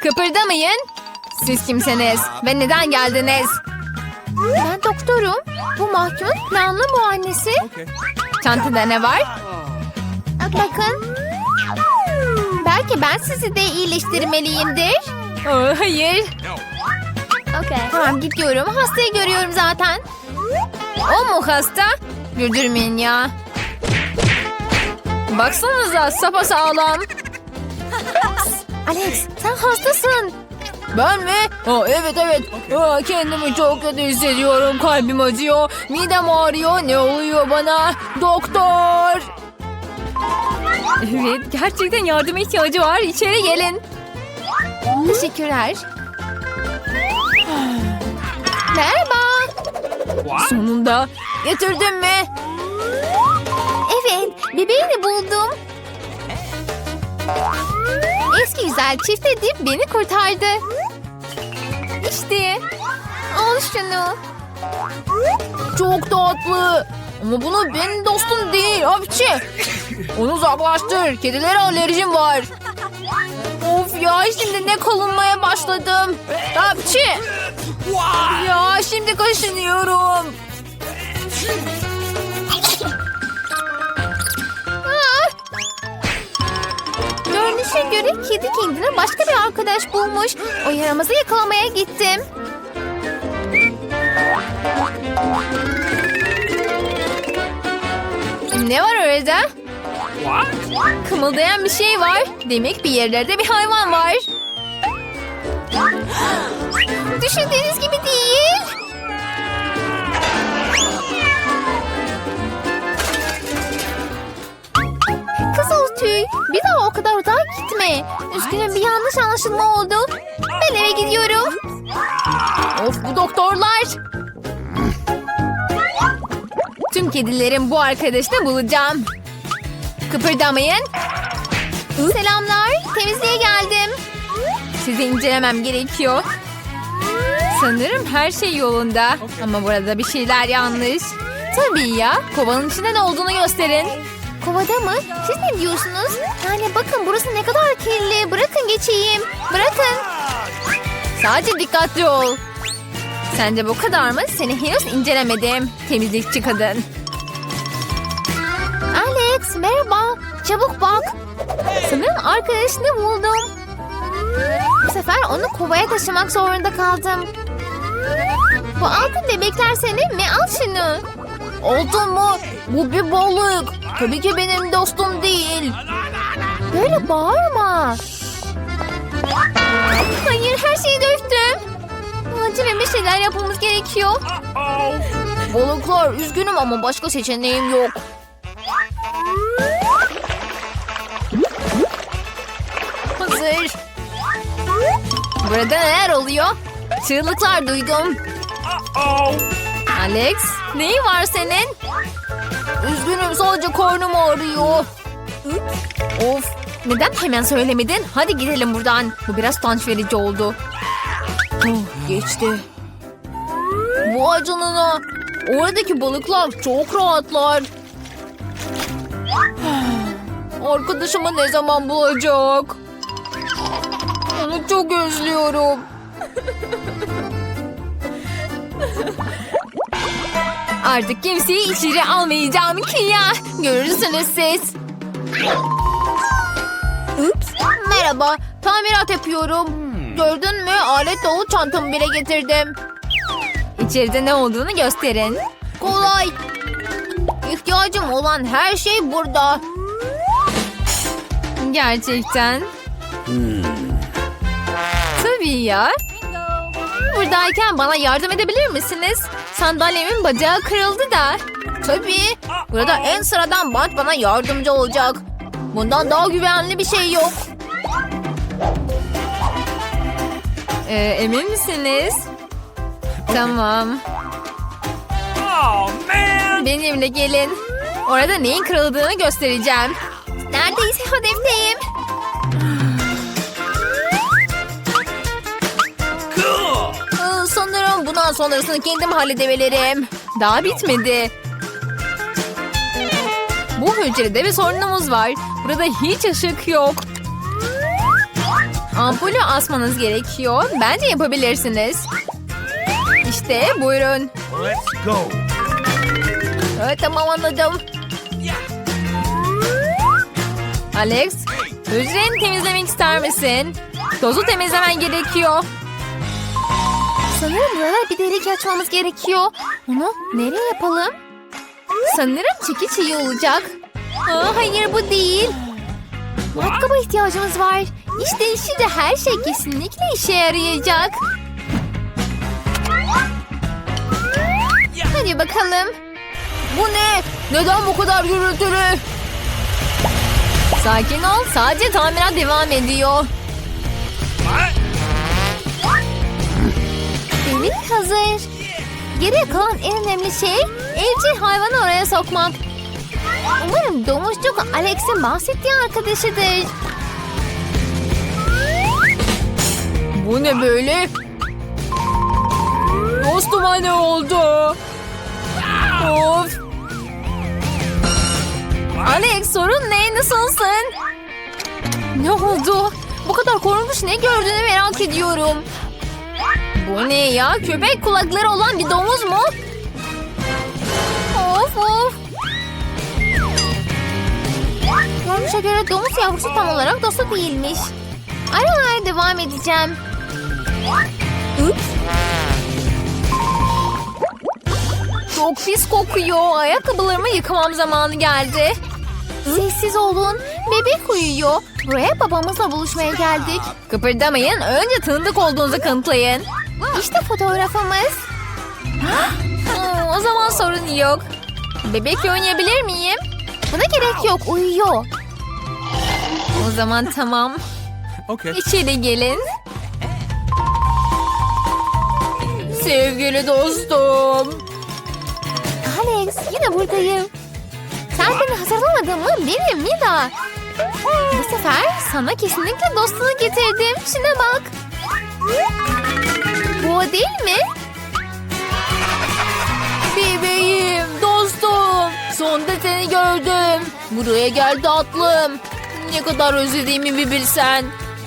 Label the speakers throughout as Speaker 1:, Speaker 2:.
Speaker 1: Kıpırdamayın. Siz kimsiniz ve neden geldiniz? Ben doktorum. Bu mahkumun planlı muayenesi. Çantada ne var? Bakın. Belki ben sizi de iyileştirmeliyimdir. Hayır. Tamam gidiyorum. Hastayı görüyorum zaten. O mu hasta? Güldürmeyin ya. Baksanıza sapasağlam. Alex sen hastasın. Ben mi? Evet. Kendimi çok kötü hissediyorum. Kalbim acıyor. Midem ağrıyor. Ne oluyor bana? Doktor. Evet gerçekten yardıma ihtiyacı var. İçeri gelin. Teşekkürler. Merhaba. Sonunda getirdin mi? Evet bebeğini buldum. Eski güzel çift edip beni kurtardı. İşte. Al şunu. Çok tatlı. Ama bunu benim dostum değil. Hapçı. Onu uzaklaştır. Kedilere alerjim var. Of ya şimdi ne kalınmaya başladım. Hapçı. Ya şimdi kaşınıyorum. Görünüşe göre kedi kendine başka bir arkadaş bulmuş. O yaramazı yakalamaya gittim. Ne var orada? Kımıldayan bir şey var. Demek bir yerlerde bir hayvan var. Düşündüğünüz gibi değil. Kızıl tüy. Bir daha o kadar uzağa gitme. Üzgünüm bir yanlış anlaşılma oldu. Ben eve gidiyorum. Of bu doktorlar. Tüm kedilerin bu arkadaşını bulacağım. Kıpırdamayın. Selamlar. Temizliğe geldim. Sizi incelemem gerekiyor. Sanırım her şey yolunda. Ama burada bir şeyler yanlış. Tabii ya. Kovanın içinde ne olduğunu gösterin. Kovada mı? Siz ne diyorsunuz? Yani bakın burası ne kadar kirli. Bırakın geçeyim. Bırakın. Sadece dikkatli ol. Sence bu kadar mı? Seni henüz incelemedim. Temizlikçi kadın. Alex merhaba. Çabuk bak. Sanırım arkadaşını buldum. Bu sefer onu kovaya taşımak zorunda kaldım. Bu altın bebekler senin mi? Al şunu. Altın mı? Bu bir balık. Tabii ki benim dostum değil. Böyle bağırma. Hayır her şeyi döktüm. Acilen bir şeyler yapmamız gerekiyor. Balıklar üzgünüm ama başka seçeneğim yok. Hazır. Burada neler oluyor? Çığlıklar duydum. Alex, neyin var senin? Üzgünüm sadece karnım ağrıyor. Of, neden hemen söylemedin? Hadi gidelim buradan. Bu biraz utanç verici oldu. Geçti. Vay canına. Oradaki balıklar çok rahatlar. Arkadaşımı ne zaman bulacak? Onu çok özlüyorum. Artık kimseyi içeri almayacağım ki ya. Görürsünüz siz. Ups. Merhaba. Tamirat yapıyorum. Gördün mü? Alet dolu çantamı bile getirdim. İçeride ne olduğunu gösterin. Kolay. İhtiyacım olan her şey burada. Gerçekten. Tabii ya. Buradayken bana yardım edebilir misiniz? Sandalyemin bacağı kırıldı da. Tabii. Burada en sıradan bant bana yardımcı olacak. Bundan daha güvenli bir şey yok. Emin misiniz? Tamam. Benimle gelin. Orada neyin kırıldığını göstereceğim. Neredeyse hedefteyim. Sanırım bundan sonrasını kendim halledebilirim. Daha bitmedi. Bu hücrede bir sorunumuz var. Burada hiç ışık yok. Ampulü asmanız gerekiyor. Bence yapabilirsiniz. İşte buyurun.
Speaker 2: Let's go.
Speaker 1: Evet, tamam, anladım. Alex, hücreni temizlemek ister misin? Tozu temizlemen gerekiyor. Sanırım burada bir delik açmamız gerekiyor. Onu nereye yapalım? Sanırım çekiç iyi olacak. Hayır, bu değil. Matkaba ihtiyacımız var. İşte şimdi her şey kesinlikle işe yarayacak. Hadi bakalım. Bu ne? Neden bu kadar gürültülü? Sakin ol. Sadece tamirat devam ediyor. Delik hazır. Geriye kalan en önemli şey evcil hayvanı oraya sokmak. Umarım domuzcuk Alex'in bahsettiği arkadaşıdır. Bu ne böyle? Dostuma ne oldu? Of. Alex, sorun ne? Nasılsın? Ne oldu? Bu kadar korunmuş ne gördüğünü merak ediyorum. Bu ne ya? Köpek kulakları olan bir domuz mu? Of of. Görünüşe göre domuz yavrusu tam olarak dostu değilmiş. Aramaya devam edeceğim. Ups. Çok pis kokuyor. Ayakkabılarımı yıkamam zamanı geldi. Sessiz olun. Bebek uyuyor. Buraya babamızla buluşmaya geldik. Kıpırdamayın. Önce tanıdık olduğunuzu kanıtlayın. İşte fotoğrafımız. O zaman sorun yok. Bebekle oynayabilir miyim? Buna gerek yok. Uyuyor. O zaman tamam.
Speaker 2: Okay.
Speaker 1: İçeri gelin. Sevgili dostum. Alex, yine buradayım. Sen beni hazırlamadın mı? Benim Mida. Bu sefer sana kesinlikle dostunu getirdim. Şuna bak. Bu o değil mi? Bebeğim, dostum. Sonunda seni gördüm. Buraya gel tatlım. Ne kadar özlediğimi bir bilsen.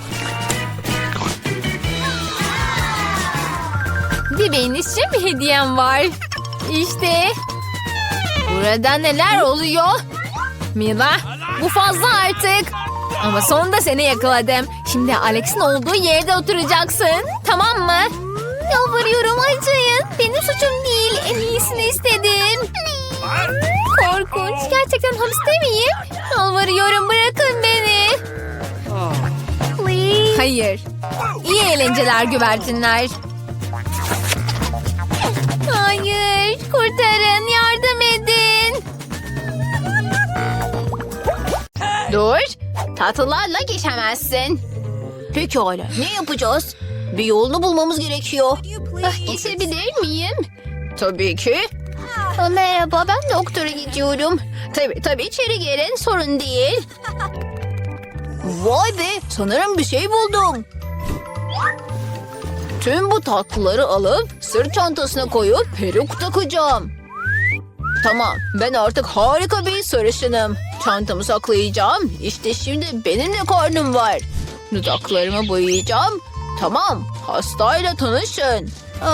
Speaker 1: Bebeğin için bir hediyem var. İşte. Burada neler oluyor? Mila, bu fazla artık. Ama sonunda seni yakaladım. Şimdi Alex'in olduğu yerde oturacaksın. Tamam mı? Yalvarıyorum, acıyın. Benim suçum değil. En iyisini istedim. Korkunç. Gerçekten hapiste miyim? Yalvarıyorum, bırakın beni. Hayır. İyi eğlenceler güvercinler. Hayır. Kurtarın. Yardım edin. Dur. Tatlılarla geçemezsin.
Speaker 3: Pekala, ne yapacağız? Bir yolunu bulmamız gerekiyor.
Speaker 1: Geçebilir miyim?
Speaker 3: Tabii ki.
Speaker 1: Merhaba, ben doktora gidiyorum. Tabii içeri gelin, sorun değil.
Speaker 3: Vay be, sanırım bir şey buldum. Tüm bu tatlıları alıp sırt çantasına koyup peruk takacağım. Tamam, ben artık harika bir sarışınım. Çantamı saklayacağım. İşte şimdi benim de karnım var. Dudaklarımı boyayacağım. Tamam, hastayla tanışın.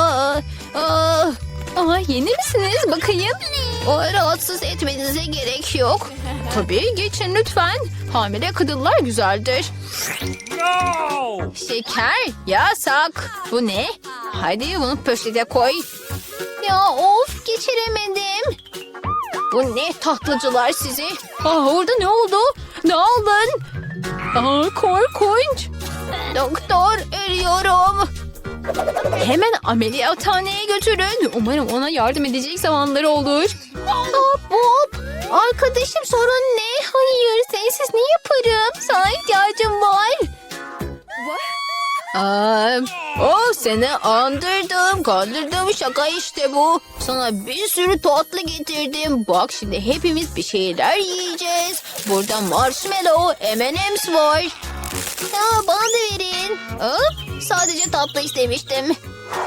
Speaker 1: Yeni misiniz? Bakayım.
Speaker 3: O rahatsız etmenize gerek yok.
Speaker 1: Tabii, geçin lütfen. Hamile kadınlar güzeldir.
Speaker 2: No!
Speaker 1: Şeker yasak. Bu ne? Hadi bunu poşete koy. Ya of, geçiremedim.
Speaker 3: Bu ne tatlıcılar sizi?
Speaker 1: Orada ne oldu? Ne aldın? Korkunç.
Speaker 3: Doktor, ölüyorum.
Speaker 1: Hemen ameliyathaneye götürün. Umarım ona yardım edecek zamanları olur.
Speaker 3: Bob, arkadaşım sorun ne?
Speaker 1: Hayır, sensiz ne yaparım? Sana ihtiyacım var.
Speaker 3: Seni andırdım, kandırdım, şaka işte bu. Sana bir sürü tatlı getirdim. Bak şimdi hepimiz bir şeyler yiyeceğiz. Burada marshmallow, M&M's var. Bana da verin. Sadece tatlı istemiştim.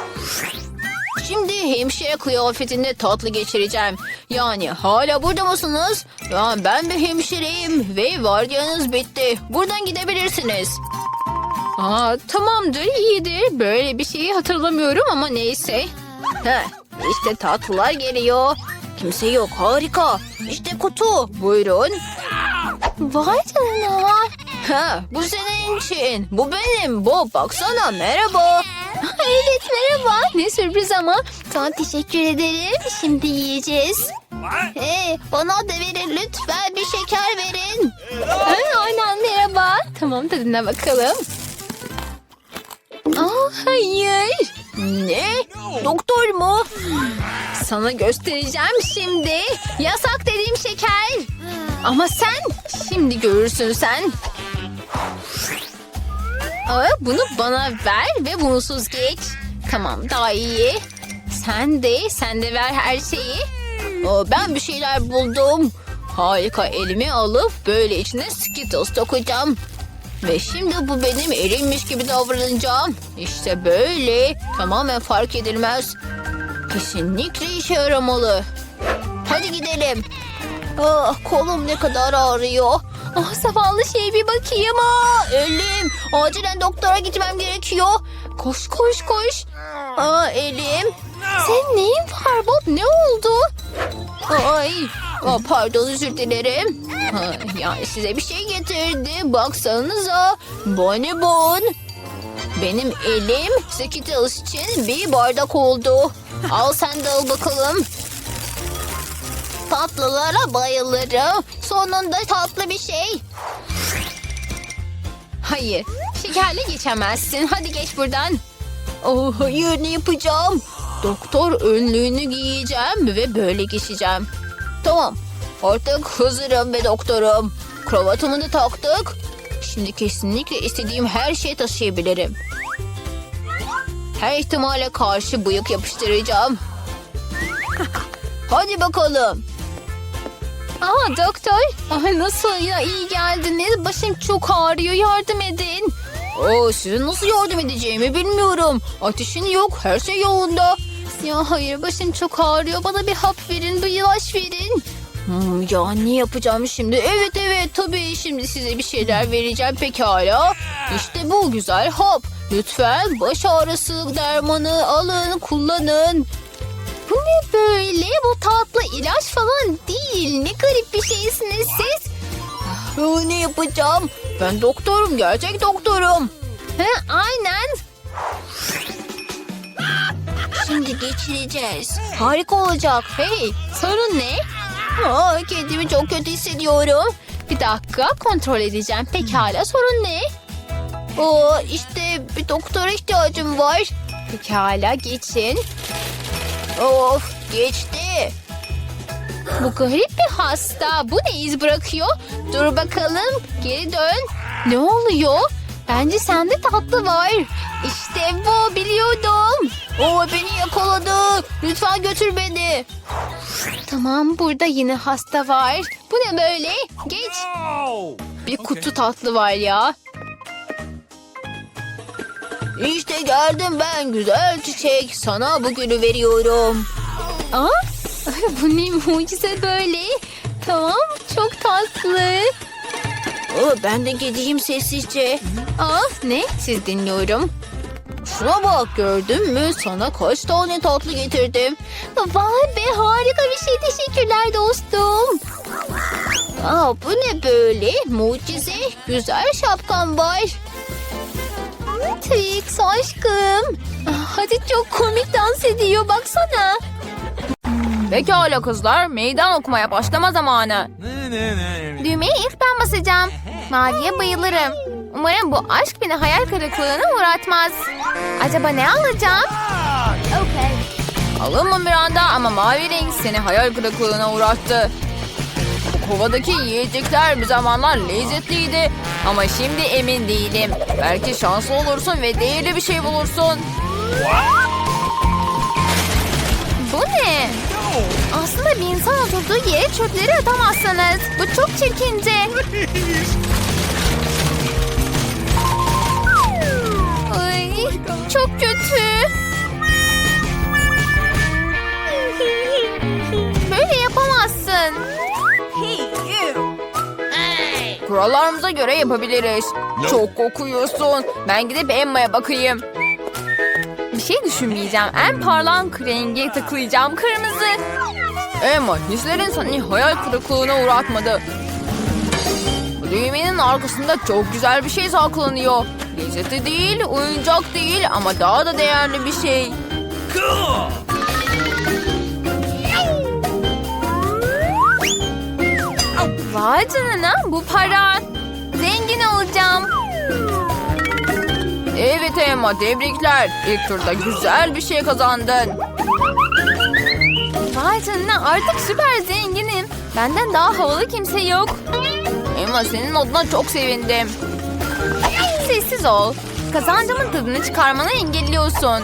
Speaker 3: Şimdi hemşire kıyafetinde tatlı geçireceğim. Yani hala burada mısınız? Ya ben bir hemşireyim ve vardiyanız bitti. Buradan gidebilirsiniz. Tamamdır, iyidir. Böyle bir şeyi hatırlamıyorum ama neyse. İşte tatlılar geliyor. Kimse yok, harika. İşte kutu, buyurun. Vay canına. Bu senin için. Bu benim. Bob, baksana, merhaba. Evet, merhaba. Ne sürpriz ama. Sana teşekkür ederim. Şimdi yiyeceğiz. Bana da verin lütfen, bir şeker verin. Aynen, merhaba. Tamam, tadına bakalım. Hayır. Ne? Doktor mu? Sana göstereceğim şimdi. Yasak dediğim şeker. Ama sen şimdi görürsün sen. Bunu bana ver ve bunsuz geç. Tamam, daha iyi. Sen de ver her şeyi. Ben bir şeyler buldum. Harika, elimi alıp böyle içine Skittles dokacağım. Ve şimdi bu benim elimmiş gibi davranacağım. İşte böyle. Tamamen fark edilmez. Kesinlikle işe yaramalı. Hadi gidelim. Kolum ne kadar ağrıyor. Zavallı şey, bir bakayım. Elim. Acilen doktora gitmem gerekiyor. Koş. Elim. Senin neyin var Bob? Ne oldu? Pardon, özür dilerim. Yani size bir şey getirdi. Baksanıza. Bonibon. Benim elim Skittles için bir bardak oldu. Al, sen de al bakalım. Tatlılara bayılırım. Sonunda tatlı bir şey. Hayır, şekerle geçemezsin. Hadi geç buradan. Hayır, ne yapacağım? Doktor önlüğünü giyeceğim ve böyle geçeceğim. Tamam, artık hazırım ve doktorum. Kravatımı da taktık. Şimdi kesinlikle istediğim her şeyi taşıyabilirim. Her ihtimale karşı bıyık yapıştıracağım. Hadi bakalım. Doktor. Nasıl ya, iyi geldiniz. Başım çok ağrıyor, yardım edin. Size nasıl yardım edeceğimi bilmiyorum. Ateşin yok, her şey yolunda. Ya hayır, başım çok ağrıyor. Bana bir hap verin, bir ilaç verin. Ya ne yapacağım şimdi? Evet tabii, şimdi size bir şeyler vereceğim, pekala. İşte bu güzel hap. Lütfen baş ağrısı dermanı alın, kullanın. Bu ne böyle? Bu tatlı ilaç falan değil. Ne garip bir şeysiniz siz. Ne yapacağım? Ben doktorum, gerçek doktorum. Aynen. Şimdi geçireceğiz. Harika olacak. Hey, sorun ne? Kendimi çok kötü hissediyorum. Bir dakika, kontrol edeceğim. Pekala, sorun ne? İşte bir doktora ihtiyacım var. Pekala, geçin. Of, geçti. Bu garip bir hasta. Bu ne iz bırakıyor? Dur bakalım, geri dön. Ne oluyor? Bence sende tatlı var. İşte bu, biliyordum. Beni yakaladı. Lütfen götür beni. Tamam, burada yine hasta var. Bu ne böyle? Geç. Bir kutu tatlı var ya. İşte geldim ben, güzel çiçek. Sana bugünü veriyorum. Bu ne mucize böyle. Tamam, çok tatlı. Ben de gideyim sessizce. Ne? Siz dinliyorum. Şuna bak, gördün mü? Sana kaç tane tatlı getirdim. Vay be, harika bir şey. Teşekkürler dostum. Bu ne böyle? Mucize. Güzel şapkan var. Trix aşkım. Hadi, çok komik dans ediyor, baksana. Pekala kızlar, meydan okumaya başlama zamanı. Düğmeye ilk ben basacağım. Maviye bayılırım. Umarım bu aşk beni hayal kırıklığına uğratmaz. Acaba ne alacağım? Alınma Miranda, ama mavi renk seni hayal kırıklığına uğrattı. Bu kovadaki yiyecekler bir zamanlar lezzetliydi. Ama şimdi emin değilim. Belki şanslı olursun ve değerli bir şey bulursun. Bu ne? Aslında bir insan oturduğu yere çöpleri atamazsınız. Bu çok çirkince. Ay, çok kötü. Böyle yapamazsın. Kurallarımıza göre yapabiliriz.
Speaker 1: Çok kokuyorsun. Ben gidip Emma'ya bakayım. Bir şey düşünmeyeceğim. En parlak rengi tıklayacağım. Kırmızı. Emma, hislerin seni hayal kırıklığına uğratmadı. Bu düğmenin arkasında çok güzel bir şey saklanıyor. Lezzeti değil, oyuncak değil ama daha da değerli bir şey.
Speaker 2: Cool.
Speaker 1: Vay canına, bu para. Zengin olacağım. Evet Emma, tebrikler. İlk turda güzel bir şey kazandın. Vay canına, artık süper zenginim. Benden daha havalı kimse yok. Emma, senin adına çok sevindim. Sessiz ol. Kazancımın tadını çıkarmanı engelliyorsun.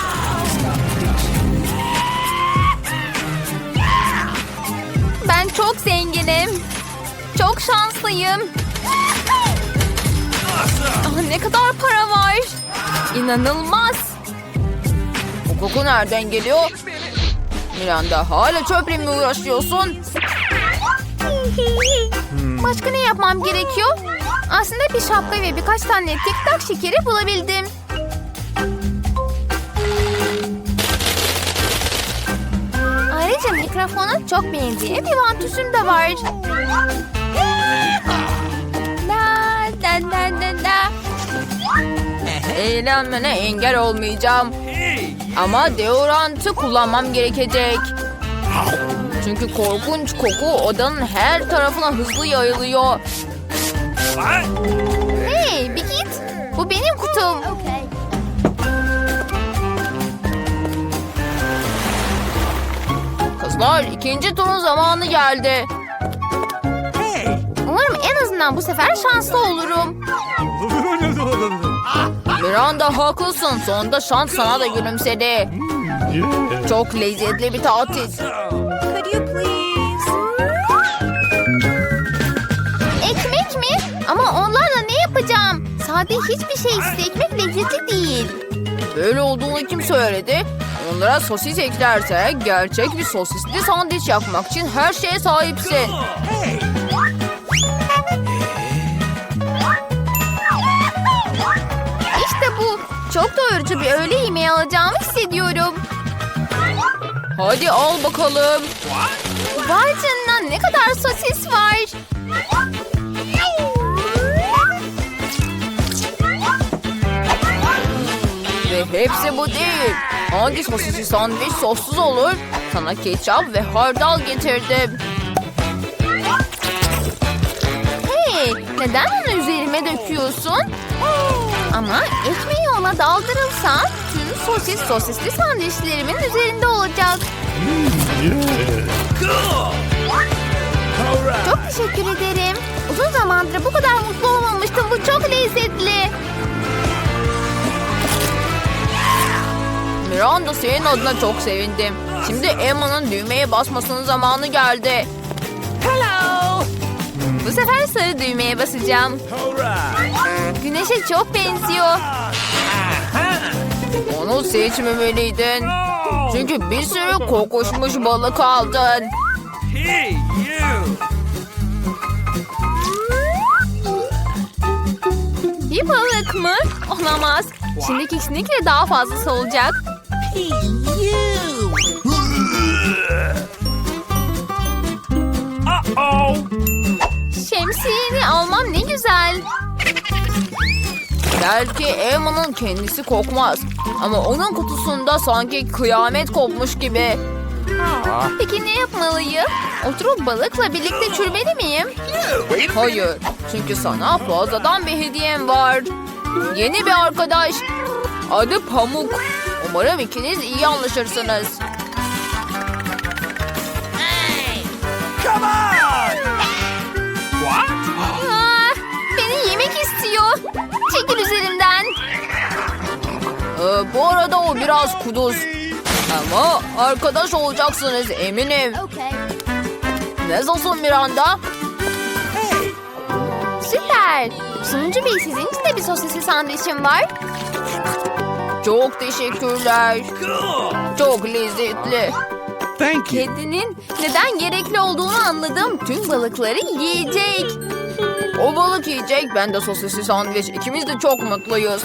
Speaker 1: Ben çok zenginim. Çok şanslıyım. Ah, ne kadar para var. İnanılmaz. Bu koku nereden geliyor? Miranda, hala çöple mi uğraşıyorsun? Başka ne yapmam gerekiyor? Aslında bir şapka ve birkaç tane tek tak şekeri bulabildim. Ayrıca mikrofona çok benzeyen bir vantüsüm de var. La la la la la. Eğlenmene engel olmayacağım. Ama deodorantı kullanmam gerekecek. Çünkü korkunç koku odanın her tarafına hızlı yayılıyor.
Speaker 2: What?
Speaker 1: Hey, bir git. Bu benim kutum. Kızlar, ikinci turun zamanı geldi.
Speaker 2: Hey.
Speaker 1: Umarım en azından bu sefer şanslı olurum. Miranda, haklısın. Sonunda şans sana da gülümsedi. Çok lezzetli bir tatil. Ekmek mi? Ama onlarla ne yapacağım? Sade hiçbir şey ekmek lezzetli değil. Böyle olduğunu kim söyledi? Onlara sosis eklerse gerçek bir sosisli sandviç yapmak için her şeye sahipsin.
Speaker 2: Hey.
Speaker 1: İşte bu. Çok doyurucu bir öğle yemeği alacağımı hissediyorum. Hadi al bakalım. Vay canına, ne kadar sosis var. Ve hepsi bu değil. Hangi sosisli sandviç sossuz olur? Sana ketçap ve hardal getirdim. Hey, neden onu üzerime döküyorsun? Ama ekmeği ona daldırılsa tüm sosisli sandviçlerimin üzerinde olacak.
Speaker 2: Cool. All right.
Speaker 1: Çok teşekkür ederim. Uzun zamandır bu kadar mutlu olmamıştım. Bu çok lezzetli. Miranda, senin adına çok sevindim. Şimdi Emma'nın düğmeye basmasının zamanı geldi. Hello. Bu sefer sarı düğmeye basacağım.
Speaker 2: All right.
Speaker 1: Güneşe çok benziyor.
Speaker 2: Aha.
Speaker 1: Onu seçmemeliydin.
Speaker 2: No.
Speaker 1: Çünkü bir sürü kokuşmuş balık aldın.
Speaker 2: Hey, you.
Speaker 1: Bir balık mı? Olamaz. Şimdi kesinlikle daha fazlası olacak.
Speaker 2: Uh-oh.
Speaker 1: Şemsiyeni almam ne güzel. Belki Emma'nın kendisi kokmaz. Ama onun kutusunda sanki kıyamet kopmuş gibi. Peki ne yapmalıyım? Oturup balıkla birlikte çürümeli miyim? Hayır. Çünkü sana fazladan bir hediyem var. Yeni bir arkadaş. Adı Pamuk. Umarım ikiniz iyi anlaşırsınız.
Speaker 2: Come on. What?
Speaker 1: Ah, beni yemek istiyor. Çekil üzerimden. Bu arada o biraz kuduz. Ama arkadaş olacaksınız eminim. Nasılsın Miranda? Süper. Sunucu Bey, sizin için de bir sosisli sandviçim var. Çok teşekkürler.
Speaker 2: Cool.
Speaker 1: Çok lezzetli.
Speaker 2: Thank you.
Speaker 1: Kedinin neden gerekli olduğunu anladım. Tüm balıkları yiyecek.
Speaker 3: O balık yiyecek, ben de sosisli sandviç. İkimiz de çok mutluyuz.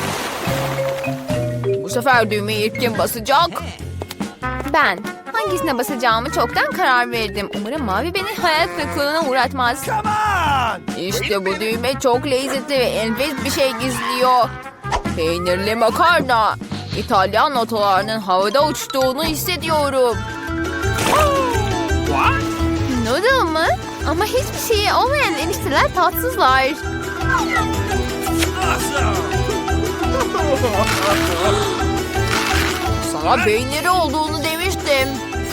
Speaker 3: Bu sefer düğmeyi ilk kim basacak?
Speaker 1: Ben. Hangisine basacağımı çoktan karar verdim. Umarım mavi beni hayal kırıklığına uğratmaz.
Speaker 2: Come on!
Speaker 3: İşte bu düğme çok lezzetli ve enfes bir şey gizliyor. Peynirli makarna. İtalyan notalarının havada uçtuğunu hissediyorum.
Speaker 2: What?
Speaker 1: Noodle mı? Ama hiçbir şeyi olmayan enişteler tatsızlar.
Speaker 2: Awesome!
Speaker 3: Sana peyniri olduğunu demiştim.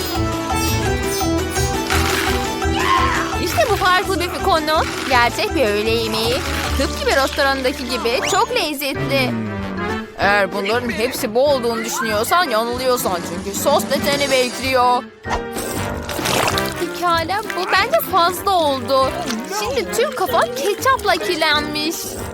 Speaker 1: İşte bu farklı bir konu. Gerçek bir öğle yemeği. Tıpkı bir restorandaki gibi çok lezzetli.
Speaker 3: Eğer bunların hepsi bu olduğunu düşünüyorsan yanılıyorsan. Çünkü sos da seni bekliyor.
Speaker 1: Pekala, bu bence fazla oldu. Şimdi tüm kafam ketçapla kirlenmiş.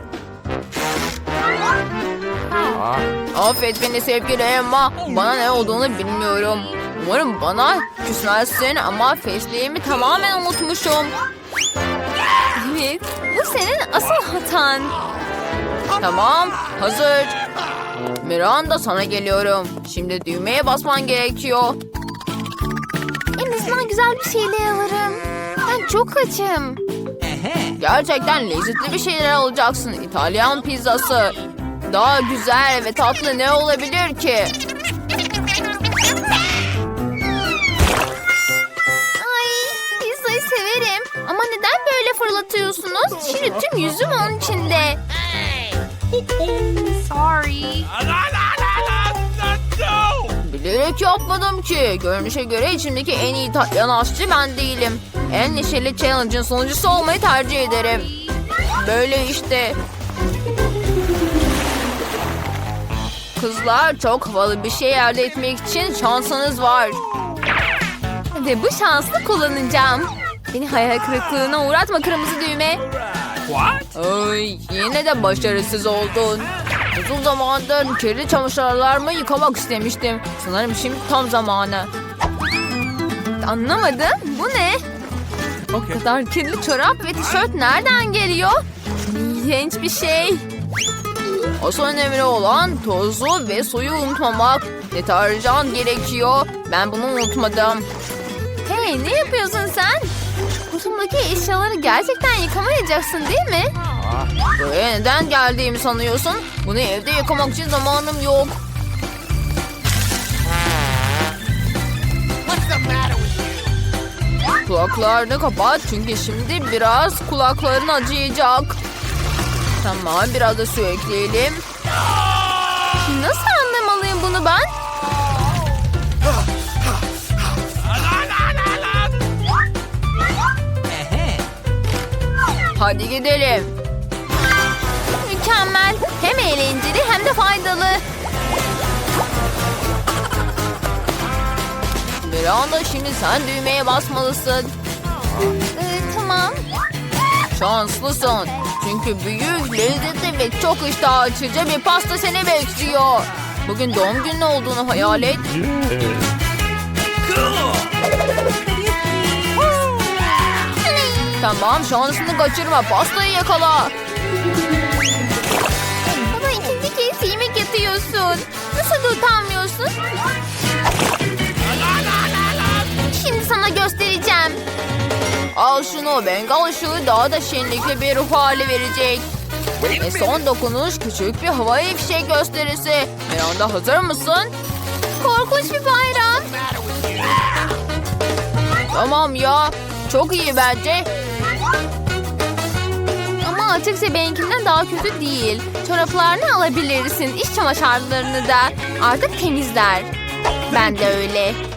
Speaker 3: Affet beni sevgili Emma. Bana ne olduğunu bilmiyorum. Umarım bana küsmezsin ama fesleğimi tamamen unutmuşum.
Speaker 1: Evet, bu senin asıl hatan.
Speaker 3: Tamam, hazır. Miranda, sana geliyorum. Şimdi düğmeye basman gerekiyor.
Speaker 1: En azından güzel bir şeyler alırım. Ben çok açım.
Speaker 3: Gerçekten lezzetli bir şeyler alacaksın. İtalyan pizzası. Daha güzel ve tatlı ne olabilir ki?
Speaker 1: Ay, pizzayı severim. Ama neden böyle fırlatıyorsunuz? Şimdi tüm yüzüm onun içinde. Sorry.
Speaker 2: No!
Speaker 3: Bilerek yapmadım ki. Görünüşe göre içimdeki en iyi İtalyan aşçı ben değilim. En neşeli challenge'ın sonuncusu olmayı tercih ederim. Böyle işte. Kızlar, çok havalı bir şey elde etmek için şansınız var.
Speaker 1: Ve bu şansı kullanacağım. Beni hayal kırıklığına uğratma kırmızı düğme.
Speaker 2: What?
Speaker 3: Ay, yine de başarısız oldun. Uzun zamandır kirli çamaşırlarımı yıkamak istemiştim. Sanırım şimdi tam zamanı.
Speaker 1: Anlamadım. Bu ne? Bu
Speaker 2: Okay.
Speaker 1: kadar kirli çorap ve tişört nereden geliyor? İğrenç bir şey.
Speaker 3: Asıl önemli olan tozu ve suyu unutmamak. Deterjan gerekiyor. Ben bunu unutmadım.
Speaker 1: Hey, ne yapıyorsun sen? Kutumdaki eşyaları gerçekten yıkamayacaksın değil mi?
Speaker 3: Buraya neden geldiğimi sanıyorsun? Bunu evde yıkamak için zamanım yok. Kulaklarını kapat çünkü şimdi biraz kulakların acıyacak. Tamam, biraz da su ekleyelim.
Speaker 1: Nasıl anlamalıyım bunu ben?
Speaker 3: Hadi gidelim.
Speaker 1: Mükemmel. Hem eğlenceli hem de faydalı.
Speaker 3: Miranda, şimdi sen düğmeye basmalısın.
Speaker 1: Tamam.
Speaker 3: Şanslısın. Çünkü büyük, lezzetli ve çok iştah açıcı bir pasta seni bekliyor. Bugün doğum günün olduğunu hayal et.
Speaker 2: Cool!
Speaker 3: Tamam, şansını kaçırma. Pastayı yakala.
Speaker 1: Bana ikinci kez yemek yapıyorsun. Nasıl da utanmıyorsun? Şimdi sana göstereceğim.
Speaker 3: Al şunu. Bengal ışığı daha da şenlikli bir ruh hali verecek. Ve son dokunuş küçük bir havai fişek gösterisi. Miranda, hazır mısın?
Speaker 1: Korkunç bir bayram.
Speaker 3: Tamam ya. Çok iyi bence.
Speaker 1: Ama açıkça benimkinden daha kötü değil. Çoraplarını alabilirsin. İç çamaşırlarını da. Artık temizler. Ben de öyle.